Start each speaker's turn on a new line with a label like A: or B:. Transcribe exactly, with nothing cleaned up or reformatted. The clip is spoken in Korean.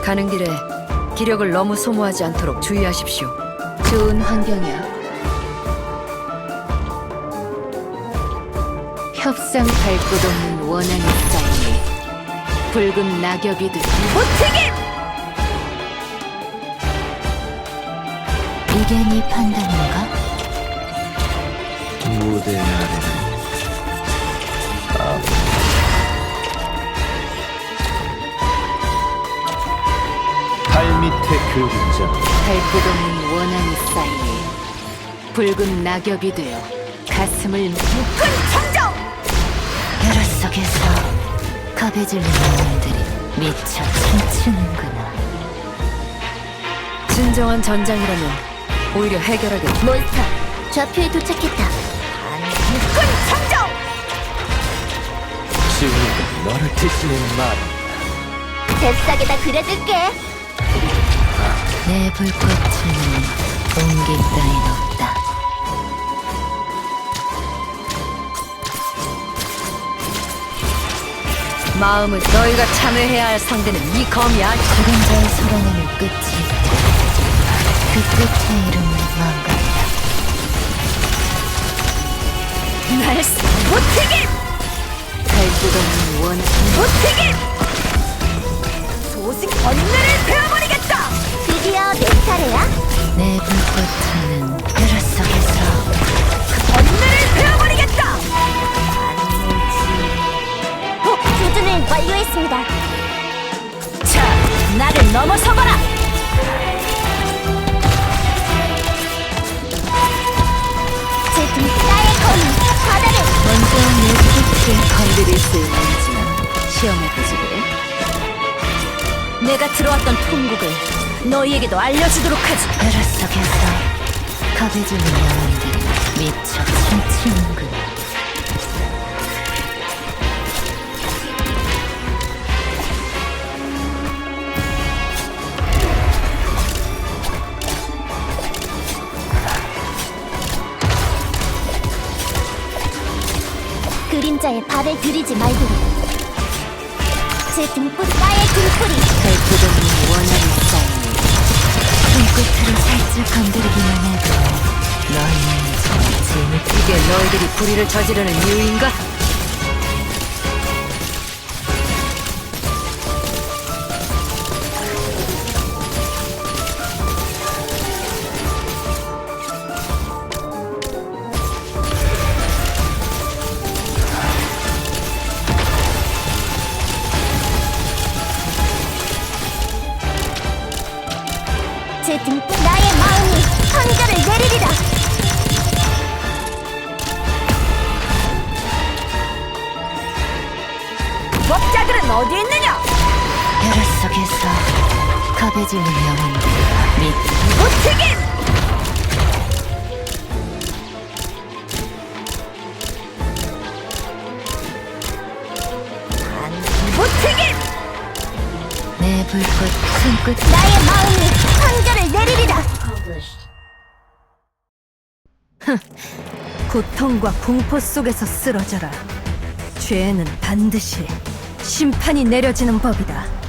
A: 가는 길에 기력을 너무 소모하지 않도록 주의하십시오.
B: 좋은 환경이야. 협상 갈 곳 없는 원한이 쌓이니 붉은 낙엽이 듯
A: 무책임!
B: 이게 네 판단인가?
C: 무대 아래는 발 밑에 그림자.
B: 갈 곳 없는 원한이 쌓이니 붉은 낙엽이 되어 가슴을
A: 큰 청정!
B: 혈압 속에서 겁에 질린 영혼들이 미쳐 춤추는구나.
A: 진정한 전장이라면 오히려 해결하게.
B: 몬스터, 좌표에 도착했다.
A: 큰 청정!
C: 지우가 너를 드시는 말.
B: 잽싸게다 그려줄게. 내 불꽃은 옮길 따윈 없다.
A: 마음은 너희가 참여해야 할 상대는 이 검이야.
B: 죽은 자의 살아남을 끝이 있다. 그 끝의 이름은 망각이다.
A: 날 무책임!
B: 갈 곳 없는 원한.
A: 무책임! 소식 번뇌를 베어버리겠다!
B: 드디어 내 차례야? 내 불꽃은 혈압 속에서
A: 번뇌를 베어버리겠다!
B: 조준을 완료했습니다.
A: 자, 나를 넘어서봐라!
B: 제 등가의 검이 바다를 먼저 내 빛을 건드릴 수 있는지는 시험해보지 그래?
A: 내가 들어왔던 통곡을 너희에게도 알려주도록 하지.
B: 혈압 속에서 겁에 질린 영혼들이 미쳐 춤추는구나. 그림자에 발을 들이지 말도록. 제 등불 나의 등불이 갈 곳 없는 원한이 쌓이니 손끝으로 살짝 건드리기만 해도 너희는 재밌게.
A: 이게 너희들이 불의를 저지르는 이유인가?
B: 제 등불 나의 마음이 판결을 내리리라.
A: 법자들은 어디 있느냐?
B: 혈압 속에서 겁에 질린 영혼들 및
A: 무책임! 무책임!
B: 내 불꽃 손끝 나의 마음이 판결을 내리리라.
A: 고통과 공포 속에서 쓰러져라. 죄는 반드시 심판이 내려지는 법이다.